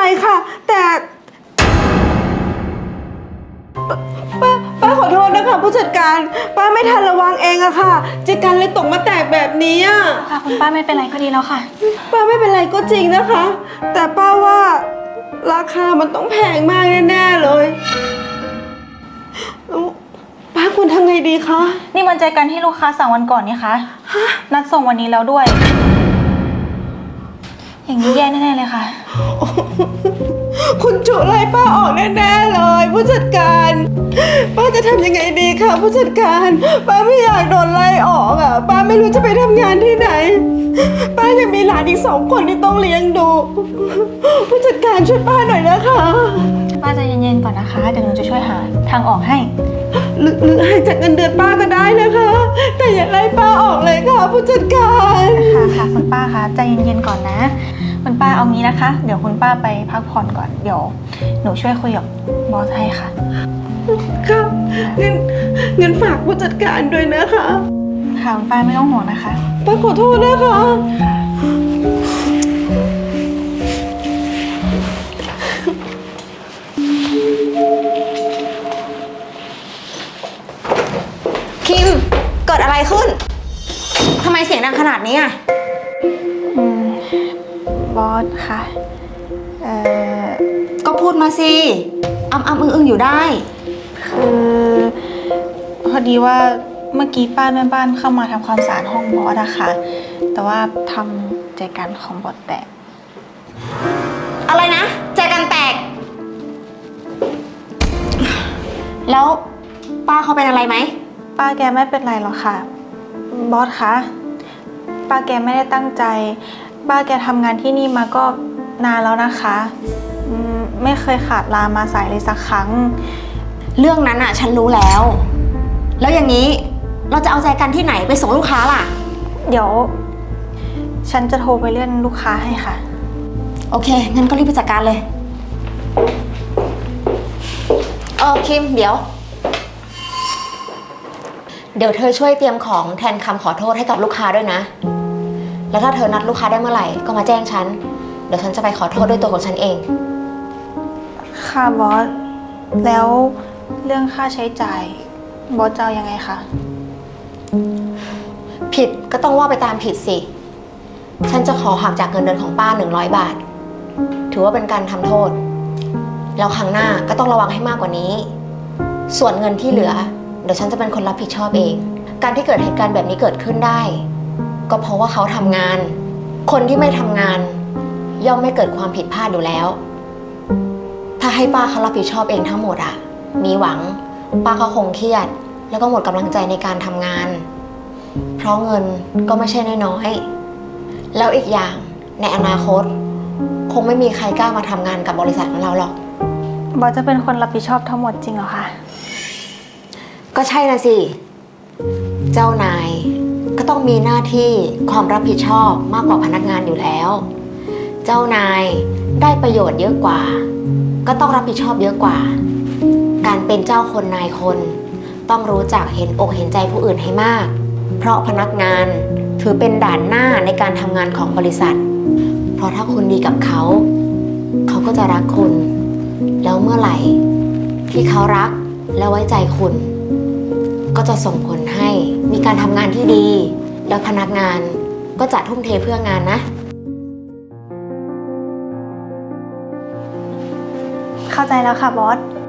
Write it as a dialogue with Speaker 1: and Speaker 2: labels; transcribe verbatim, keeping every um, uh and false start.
Speaker 1: ค่ะ แต่ป้าป้าขอโทษนะคะผู้จัดการป้าไม่ทันระวังเองอะค่ะจัดการเลยตกมาแตกแบบนี้อะ
Speaker 2: ค่ะคุณป้าไม่เป็นไรก็ดีแล้วค่ะ
Speaker 1: ป้าไม่เป็นไรก็จริงนะคะ แต่ป้าว่าราคามันต้องแพงมากแน่ๆเลยป้าควรทำไงดีคะ
Speaker 2: นี่มันใจกันที่ลูกค้าสั่งวันก่อนนี่คะนัดส่งวันนี้แล้วด้วย อย่างนี้แย่แน่ๆเลยค่ะ
Speaker 1: คุณจุไล่ป้าออกแน่ๆเลยผู้จัดการป้าจะทำยังไงดีคะผู้จัดการป้าไม่อยากโดนไล่ออกอ่ะป้าไม่รู้จะไปทำงานที่ไหนป้ายังมีหลานอีกสองคนที่ต้องเลี้ยงดูผู้จัดการช่วยป้าหน่อยนะคะ
Speaker 2: ป้าใจเย็นๆก่อนนะคะเดี๋ยวหนูจะช่วยหาทางออกให้
Speaker 1: หรือหรือให้จากเงินเดือนป้าก็ได้นะคะ แต่อย่าไล่ป้าออกเลยค่ะผู้จัดการ
Speaker 2: ค่ะค่ะคุณป้าคะใจเย็นๆก่อนนะคุณป้าเอางี้นะคะ เดี๋ยวคุณป้าไปพักผ่อนก่อนเดี๋ยวหนูช่วยคุยกับบอสให้ค่ะ
Speaker 1: ค่ะเงินเงินฝากผู้จัดการด้วยนะคะ
Speaker 2: ค่ะคุณป้าไม่ต้องห่วงนะคะ
Speaker 1: ป้าขอโทษนะคะคิมเกิดอะไรขึ้นทำไมเสียงดังขนาดนี้อ่ะ
Speaker 2: อืมบอสค่ะเอ่อ
Speaker 1: ก็พูดมาสิอ้ำอ้ำอึ้งอึ้งอยู่ได้
Speaker 2: คือพอดีว่าเมื่อกี้ป้าแม่บ้านเข้ามาทำความสะอาดห้องบอสอะค่ะแต่ว่าทำใจกันของบอสแตก
Speaker 1: อะไรนะใจกันแตก แล้วป้าเขาเป็นอะไรไหม
Speaker 2: ป้าแกไม่เป็นไรหรอกค่ะบอสคะป้าแกไม่ได้ตั้งใจป้าแกทำงานที่นี่มาก็นานแล้วนะคะอืมไม่เคยขาดลามาสายเลยสักครั้ง
Speaker 1: เรื่องนั้นอะฉันรู้แล้ว แล้วอย่างนี้เราจะเอาใจกันที่ไหนไปส่งลูกค้าล่ะ
Speaker 2: เดี๋ยว ฉันจะโทรไปเลื่อนลูกค้าให้ค่ะ
Speaker 1: โอเคงั้นก็รีบไปจัดการเลยเออคิมเดี๋ยว เดี๋ยวเธอช่วยเตรียมของแทนคำขอโทษให้กับลูกค้าด้วยนะ แล้วถ้าเธอนัดลูกค้าได้เมื่อไหร่ก็มาแจ้งฉันเดี๋ยวฉันจะไปขอโทษด้วยตัวของฉันเอง
Speaker 2: ค่ะบอสแล้วเรื่องค่าใช้จ่ายบอสจะเอายังไงคะ
Speaker 1: ผิดก็ต้องว่าไปตามผิดสิฉันจะขอหักจากเงินเดือนของป้าหนึ่งร้อยบาทถือว่าเป็นการทำโทษแล้วครั้งหน้าก็ต้องระวังให้มากกว่านี้ส่วนเงินที่เหลือเดี๋ยวฉันจะเป็นคนรับผิดชอบเองการที่เกิดเหตุการณ์แบบนี้เกิดขึ้นได้ก็เพราะว่าเขาทำงานคนที่ไม่ทำงานย่อมไม่เกิดความผิดพลาดอยู่แล้วถ้าให้ป้าเขารับผิดชอบเองทั้งหมดอะมีหวังป้าเขาคงเครียดแล้วก็หมดกำลังใจในการทำงานเพราะเงินก็ไม่ใช่น้อยๆแล้วอีกอย่างในอนาคตคงไม่มีใครกล้ามาทำงานกับบริษัทของเราหรอก
Speaker 2: บอสจะเป็นคนรับผิดชอบทั้งหมดจริงเหรอคะ
Speaker 1: ก็ใช่นะสิเจ้านายก็ต้องมีหน้าที่ความรับผิดชอบมากกว่าพนักงานอยู่แล้วเจ้านายได้ประโยชน์เยอะกว่าก็ต้องรับผิดชอบเยอะกว่าการเป็นเจ้าคนนายคนต้องรู้จักเห็นอกเห็นใจผู้อื่นให้มากเพราะพนักงานถือเป็นด่านหน้าในการทำงานของบริษัทเพราะถ้าคุณดีกับเขาเขาก็จะรักคุณแล้วเมื่อไหร่ที่เขารักและไว้ใจคุณก็จะส่งผลให้มีการทำงานที่ดีแล้วพนักงานก็จะทุ่มเทเพื่องานนะ
Speaker 2: เข้าใจแล้วค่ะบอส